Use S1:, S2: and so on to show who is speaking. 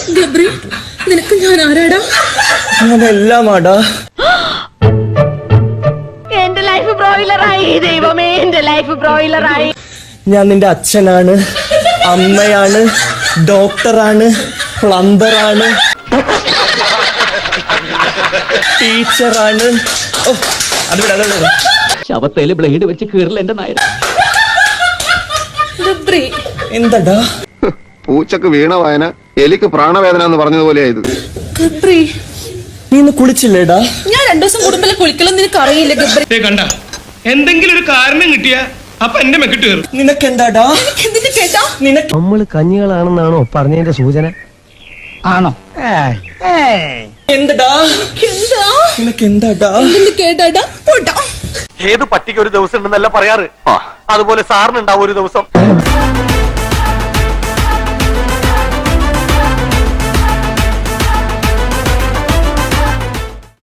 S1: ഗബ്രി, നിനക്ക് ഞാൻ ആരാടാ?
S2: ഞാനെല്ലാമാടാ.
S3: എന്റെ ലൈഫ് ബ്രോയിലറായി ദൈവമേ, എന്റെ ലൈഫ് ബ്രോയിലറായി.
S2: ഞാൻ നിന്റെ അച്ഛനാണ്, അമ്മയാണ്, ഡോക്ടറാണ്, പ്ലംബറാണ്, ടീച്ചറാണ്. ഓ അത്
S4: ശവത്തേല് ബ്ലേഡ് വെച്ച് കീറില്ല എന്റെ നായർ.
S1: ഗബ്രി,
S2: എന്താടാ?
S5: പൂച്ചക്ക് വീണ വായന എലിക്ക് പ്രാണവേദന എന്ന് പറഞ്ഞതുപോലെയായത്.
S1: ഗബ്രി,
S2: നീ ഇന്ന് കുളിച്ചില്ലേടാ?
S1: ഞാൻ 2 ദിവസം കൂടുമ്പോ കുളിക്കണം നിനക്ക് അറിയില്ല ഗബ്രി.
S6: കണ്ട എന്തെങ്കിലും ഒരു കാരണം കിട്ടിയാ അപ്പൊ എന്റെ മെക്കിട്ട് കയറും.
S2: നിനക്കെന്താടാ?
S1: എന്തിനു കേട്ടാ?
S2: നിനക്ക്
S7: നമ്മള് കഞ്ഞികളാണെന്നാണോ പറഞ്ഞതിന്റെ സൂചന? ആണോ?
S2: എന്തടാ?
S1: എന്താ
S2: നിനക്കെന്താടാ?
S1: എന്തിനു കേട്ടാടാ? പോട്ടാ.
S7: ഏത് പട്ടിക്ക് ഒരു ദിവസം ഉണ്ടെന്നല്ല പറയാറ്, അതുപോലെ സാറിനുണ്ടാവും ഒരു ദിവസം.